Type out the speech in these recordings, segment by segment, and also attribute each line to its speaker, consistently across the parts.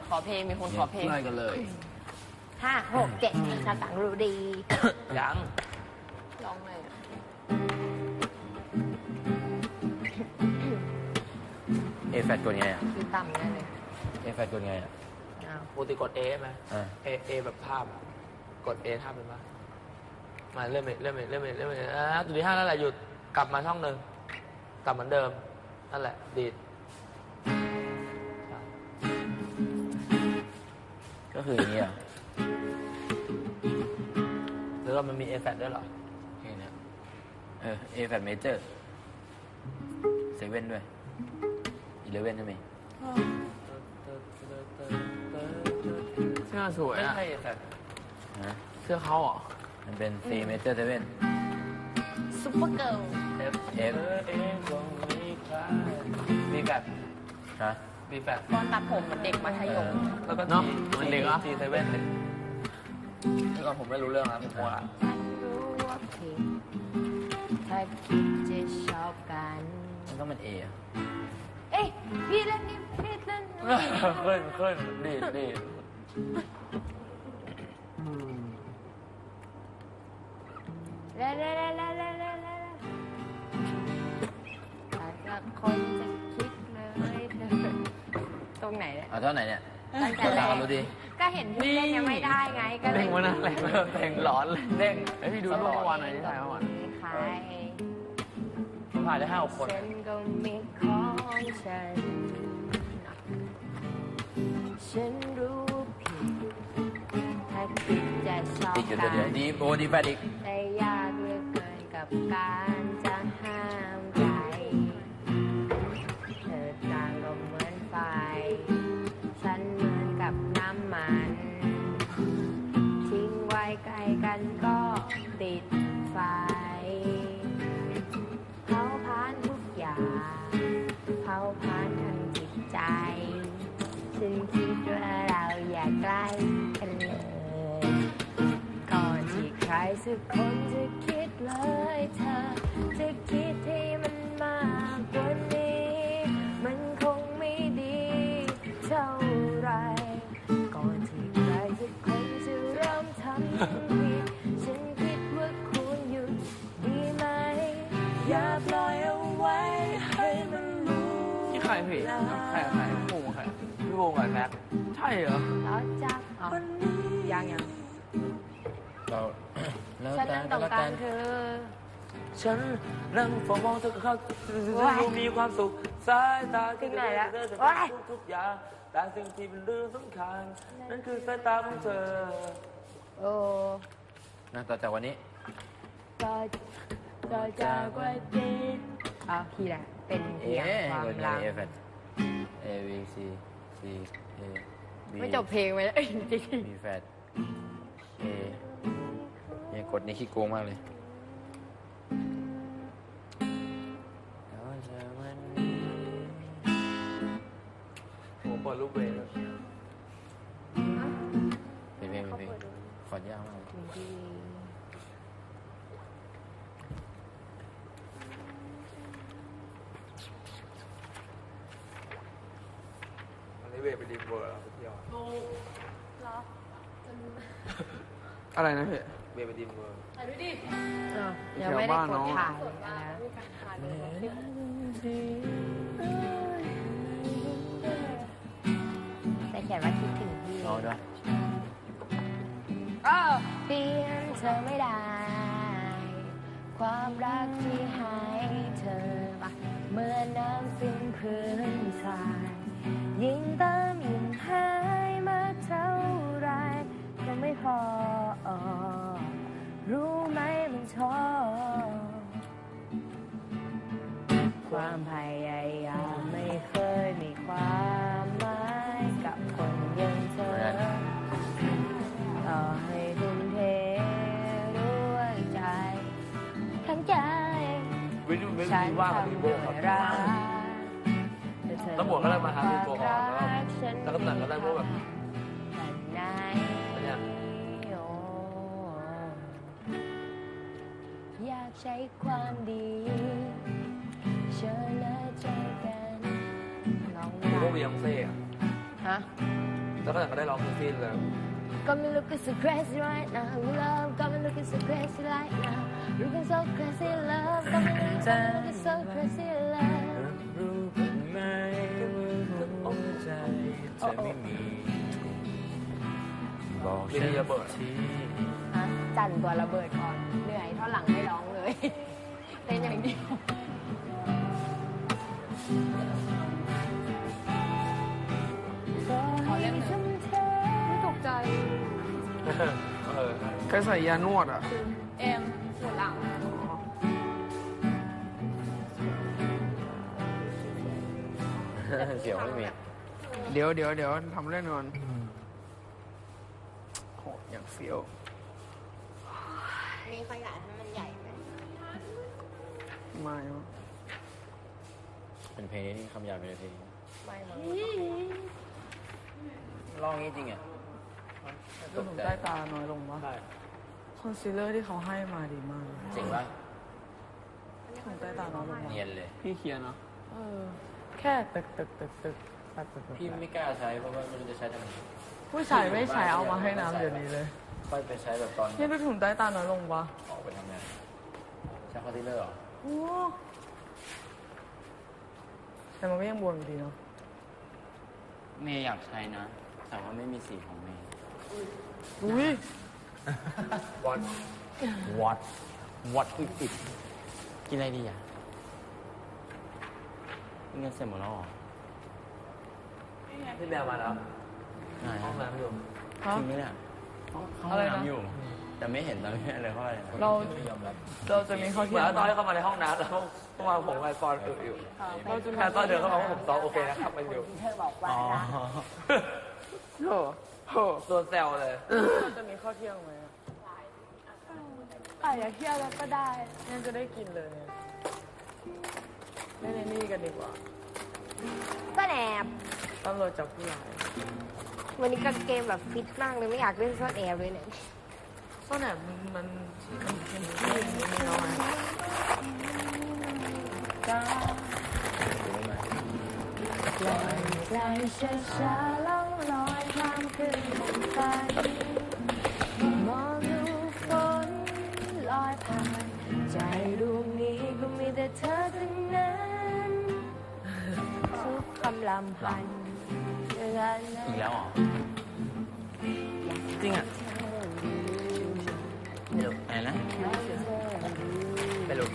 Speaker 1: ขอเพลงมีคนขอเพลง
Speaker 2: ไล่กันเลย
Speaker 3: 5 6 7ถ้าต่างรู้ดี
Speaker 2: ยัง
Speaker 1: ร้องไงอ่ะ
Speaker 2: เอแฟดกดไงอ่ะ
Speaker 3: คือต่ำแน่เลย
Speaker 2: เอแฟดกดไงอ่ะ
Speaker 3: อ้าว
Speaker 4: ปกติกด A ไหม
Speaker 2: อ่า
Speaker 4: A แบบภาพอะกด A ท่าเป็นปะมาเริ่มจุดที่ 5นั่นแหละหยุดกลับมาช่องหนึ่งกลับเหมือนเดิมนั่นแหละดีด
Speaker 2: ก็คืออย่างนี้อ่ะ
Speaker 4: หรือว่ามันมี A แฟดด้วยเหรอ
Speaker 2: เพลงเนี้ยเอแฟดเมเจอร์เซเว่นด้วย11ใช่ไหม
Speaker 1: เสื้อสวย
Speaker 4: ไม่
Speaker 1: อ่ะ
Speaker 4: ใช่ A แฟด
Speaker 2: นะ
Speaker 1: เสื้อเขาเหรอ
Speaker 2: มันเป็น C major 7
Speaker 3: ซุปเปอร์เกิร์ล
Speaker 4: F
Speaker 2: F
Speaker 4: มีแฟด
Speaker 2: ฮะ
Speaker 4: มีแฟด
Speaker 3: ตอนตัดผมเหมือนเด็กมัธยม
Speaker 4: แล้วก็
Speaker 1: เนอะ
Speaker 4: G
Speaker 1: เหมือนเด็กอะ
Speaker 4: G 7เลยเมื่อก่อนผมไม่รู้เรื่องนะผมว่า
Speaker 3: ฉันรู้ว่าผิดถ้าคิดจะชอบกัน
Speaker 2: มันต้องเป็น A อ่ะ
Speaker 3: เอ้ยพี่เล่นนี่พี่เล่นนี่
Speaker 4: ขึ้นดีด
Speaker 3: เล่นแต่ละคนจะคิดเลยตรงไหนเนี่ย
Speaker 2: เอาเท่าไหนเนี่ย
Speaker 3: ตั้งแต่
Speaker 2: กด
Speaker 3: แร
Speaker 2: ตาม
Speaker 3: ก
Speaker 2: ดูดิ
Speaker 3: ก็เห็นพี่เล่นยังไม่ได้ไงก็เล
Speaker 1: เด้
Speaker 3: ย
Speaker 1: งวะนะแรง
Speaker 4: เพลงร้อนเลยเด้ง
Speaker 1: ไอยพี่ดูรูปเมื่อวานหน่อยที่ถ่ายเมื่อวาน
Speaker 3: ใคร
Speaker 4: ผมถ่ายได้5 คน
Speaker 3: ฉันก็มีของฉัน ฉันรู้ผิดถ้าคิดจะชอบ
Speaker 2: ติดอยู่
Speaker 3: กั
Speaker 2: ตัวเดียวน ดีโอดีแฟดอีก
Speaker 3: แต่ยากเหลือเกินกับการจะห้ามใจเธอต่างก็เหมือนไฟ ฉันเหมือนกับน้ำมัน ทิ้งไว้ใกล้กันก็ติดไฟเผาผลาญทุกอย่างเผาผลาญทั้งจิตใจฉันคิดว่าเราอย่าใกล้กันเลยก่อนที่ใครสักคนจะคิดเลยเธอจะคิดให้มันมากกว่านี้มันคงไม่ดีเท่าไรก่อนที่ใครสักคนจะเริ่มทำผิดฉันคิดว่าควรหยุดดีไหมอย่าปล่อยเอาไว้ให้มันรู้
Speaker 1: นี่ใครพี่ใครหมูใคร
Speaker 4: พี่วงกับแม็ก
Speaker 1: ใช่เหรอ
Speaker 3: แล้วจักยัง
Speaker 2: เราแล้ว
Speaker 3: ฉัน
Speaker 2: แต่
Speaker 3: นั่งตรงกลางเธอ
Speaker 4: ฉันนั่งเฝ้ามองเธอกับเขา
Speaker 3: ว้าย
Speaker 4: มีความสุขสายตา
Speaker 3: ถึงไหนแล้ว
Speaker 4: เธอจะ
Speaker 3: ว้าย
Speaker 4: ทุกอย่างแต่สิ่งที่เป็นเรื่องสำคัญนั่นคือสายตาของเธอ
Speaker 3: โอ้
Speaker 2: นะต่อจากวันนี้
Speaker 3: ต่อจากวันนี้เอาคีย์แหละเป็นเพียงความ
Speaker 2: กดไง
Speaker 3: รัก
Speaker 2: เอแฟด A B C C A B
Speaker 3: ไม่จบเพลงไปแล้วจริง
Speaker 2: B แฟด A เนี่ยกดนี่ขี้โกงมากเลยต่อจากวันนี้
Speaker 4: ผมเปิดรูปเวย์เลย
Speaker 2: เป็นเพลงขอดยากมากเลย
Speaker 4: อันนี้เวย์ไปดีเวอร์แล้วพี่ยอด
Speaker 1: อะไรนะพี่
Speaker 4: เวย์ไปดีเวอร์
Speaker 3: ยังไม่ได้กดถ่ายนะแต่เขียนว่าคิดถึงพี่
Speaker 2: เอาด้วย
Speaker 3: เปลี่ยนเธอไม่ได้ ความรักที่ให้เธอเมื่อน้ำสิ้นพื้นทรายยิ่งเติมยิ่งหายมาเท่าไรก็ไม่พอ รู้ไหมมันท้อความพยายามไม่เคยมีความหมายกับคนอย่างเธอ ต่อให้ทุ่มเทด้วยใจ ทั้งใจ
Speaker 4: วิววิว
Speaker 3: ฉัน
Speaker 4: ว่างกับ
Speaker 3: ทำ
Speaker 4: พี่โบ
Speaker 3: ด้วย
Speaker 4: ครับ
Speaker 3: รัก
Speaker 4: ตำรวจก็ได้มาหาพี่โบก่อนแล้วก็ตำรวจก็ได้พวกแบบ
Speaker 3: ไหน
Speaker 4: เนี่ย
Speaker 3: โอ้อยากใช้ความดีเชิญและเจอกันลอง
Speaker 4: พวก
Speaker 3: ได้
Speaker 4: บียองเซ่อะ
Speaker 3: ฮะ
Speaker 4: แล้วก็ได้ร้องเพลงซีนเลย
Speaker 3: Got me looking so crazy right now, love. Got me looking so crazy right now, looking so crazy, love. Got me looking so crazy, love.
Speaker 2: รู้บ้างไหมว่าหัวใจเธอไม่มีบอกฉันที
Speaker 3: ฮะจันตัวระเบิดก่อน เหนื่อยเท่าหลังไม่ร้องเลย เต้นอย่างเดียวขอเล่นหนึ่งไม่ตกใจ
Speaker 1: เคยใส่ยานวดอ่ะ
Speaker 3: เอ็มปวดหลัง
Speaker 2: เสียวไม่มี
Speaker 1: เดี๋ยวทำเล่นก่อนโหอย่างเฟี้ยว
Speaker 3: มีขยายให้มันใหญ่ไหม
Speaker 1: ไม่วะ
Speaker 2: เป็นเพลงนี้คำหยาบเป็นเพลง
Speaker 3: ไม่มั้ง
Speaker 2: ร้องนี้จริงอ่ะ
Speaker 1: ดูถุงใต้ตาน้อยลงวะ
Speaker 4: ใช่
Speaker 1: คอนซีลเลอร์ที่เขาให้มาดีมากเลย
Speaker 2: จริงปะ
Speaker 1: ถุงใต้ตาน้อยลงวะ
Speaker 2: เนียนเลย
Speaker 1: พี่เขียนเนาะแค่ตึก
Speaker 2: พี่ไม่กล้าใช้เพราะว่าไม่รู้จะใช้ทำไม
Speaker 1: ผู้ชายไม่ใช้เอามาให้น้ำเดี๋ยวนี้เลย
Speaker 2: ค่อยไปใช้แบบตอน
Speaker 1: นี่ดูถุงใต้ตาน้อยลงวะ
Speaker 2: ออกไปทำงานใช้คอนซีลเลอร์เหรอ
Speaker 1: โอ้แต่มันก็ยังบวมอยู่ดีเนาะ
Speaker 2: เมย์อยากใช้นะ แต่ว่าไม่มีสีของเมย์
Speaker 1: อุ้ย
Speaker 2: what is it กินอะไรดีอ่ะกินกันเสร็จหมดแล้วเหรอ
Speaker 4: พี่แมวมาแล้ว
Speaker 2: ไหน
Speaker 4: ห้องน้ำอยู่
Speaker 1: ฮะ
Speaker 2: จริงไหมเนี่ยเข้าห้อง
Speaker 1: อะไรนะ
Speaker 2: น้ำอยู่ แต่ไม่เห็นตอนนี้เลยเพราะอะไรนะ
Speaker 1: เราจะมีข้อ
Speaker 4: เห
Speaker 1: เที
Speaker 4: มื
Speaker 1: ย
Speaker 4: อน
Speaker 1: ม
Speaker 4: ตอนที่เข้ามาในห้องน้ำแล้วเมื่อวานผมกับปอนอึอยู่
Speaker 1: เราจะมี
Speaker 4: แต่ตอนเดินเข้ามาว่าผมซ้อมโอเคนะครับมันอยู่
Speaker 3: เธอบอกว่า
Speaker 2: อ๋อ
Speaker 3: นะ
Speaker 1: โห
Speaker 4: โดนแซวเลย
Speaker 1: เราจะมีข้อเที่ยงไหมอะอย่าเที่ยวแล้วก็ได้งั้นจะได้กินเลยเนี่ยเล่นในนี่กันดีกว่า
Speaker 3: ก็แอบ
Speaker 1: ตำรวจจับผู้ร้าย
Speaker 3: วันนี้กางเกงแบบฟิตมากเลยไม่อยากเล่นซ่อนแอบเลยเนี่ย
Speaker 1: ซ่อนแอบมันที่นี่เนาะ
Speaker 2: รู้ไหม
Speaker 3: ปล่อยใจช้าๆล่องลอยข้ามคืนไปมองดูฝนลอยผ่านใจดวงนี้ก็มีแต่เธอทั้งนั้นทุกคำลำพันเดือน
Speaker 2: อีกแล้วเหรอ จริงอ่ะไม่รู้อะไรนะไม่รู้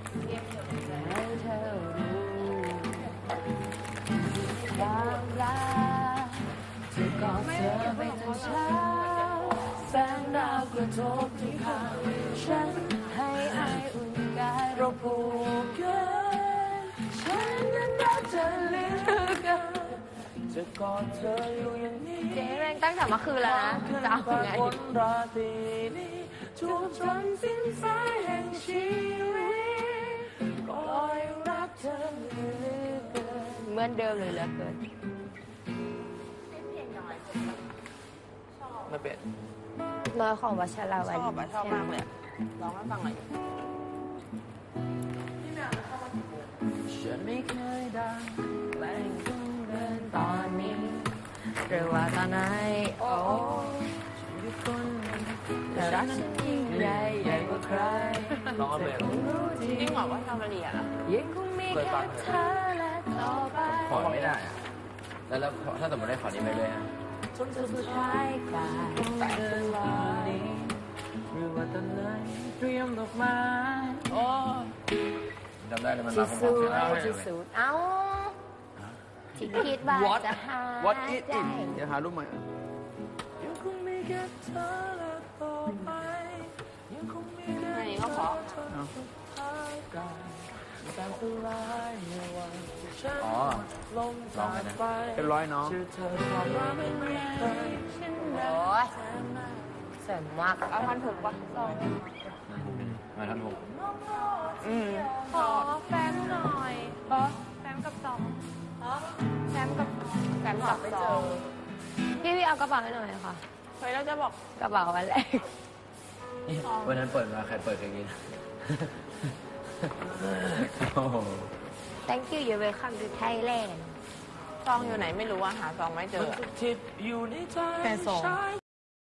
Speaker 3: ความรักจะกอดเธอไปจนเช้าแสงดาวกระทบที่ขาฉันให้อายอุ่นกายเราผูกกันฉันนั้นรักเธอเหลือเกินจะกอดเธออยู่อย่างนี้เจ๊แม่งตั้งแต่เมื่อคืนแล้วนะจะเอาไงราตรีนี้ทุกจนสิ้นสายแห่งชีวิตปล่อยรักเธอเหลือเกินเหมือนเดิมเลยเหลือเกิน
Speaker 4: ไม่เป็น
Speaker 3: น้อยของวัชราวัน
Speaker 1: ชอบมากเลยร้องให้ฟังหน่อย
Speaker 3: ฉันไม่เคยดังแรงต้องเดินตอนนี้หรือว่าตอนไหนโอ้ทุกคนแต่รักฉันยิ่งใหญ่ใหญ่กว่าใคร
Speaker 4: น้องก็เป็น
Speaker 3: จริงเหรอว่าทำละเอียดอ่ะยังคงมีแค่เธอและต่อไป
Speaker 2: ขอไม่ได้อะแล้วถ้าสมมติได้ขอนี้ไปเลยฮะ
Speaker 3: จนสุดท้ายกลายเป็นลอยหรือว่าตอนไหนเตรียมดอกไม้โอ้
Speaker 2: จำได้เลยมัน
Speaker 3: ที่
Speaker 2: มาพร้
Speaker 3: สุ
Speaker 2: อ
Speaker 3: ด
Speaker 2: มๆกันเลย
Speaker 3: ที่สุดเอ้าที่คิดว่าจะหา
Speaker 1: What is
Speaker 3: ใจ
Speaker 1: it เดี๋ยวหารูปใหม่
Speaker 3: ยังคงมีแค่เธอและต่อไปยังคงมีเรื่องเธอจนสุดท้ายกลายเป็นสลายในวันที่ฉัน
Speaker 2: อ๋อ
Speaker 3: ลงจากไป
Speaker 1: เป็นร้อยน้อง
Speaker 3: ชื่อเธอความรักไม่เคยฉันรักเสริมมากเอาพันถูกปะลอง
Speaker 2: มาทันหก
Speaker 3: ขอแฟมหน่อยแฟมกับสองแฟมกับสองพี่เอากระเป๋าให้หน่อยค่ะเฮ้ยเราจะบอกกระเป๋าอันแรก
Speaker 2: วันนั้นเปิดมาใครเปิดเคยกิน โอ้โห
Speaker 3: Thank you you're welcome to Thailand
Speaker 1: ซองอยู่ไหนไม่รู้อะหาซองไม่เจอ
Speaker 4: มันจะทิพย์อยู่ในใจ
Speaker 1: แฟนซอง
Speaker 4: ชาย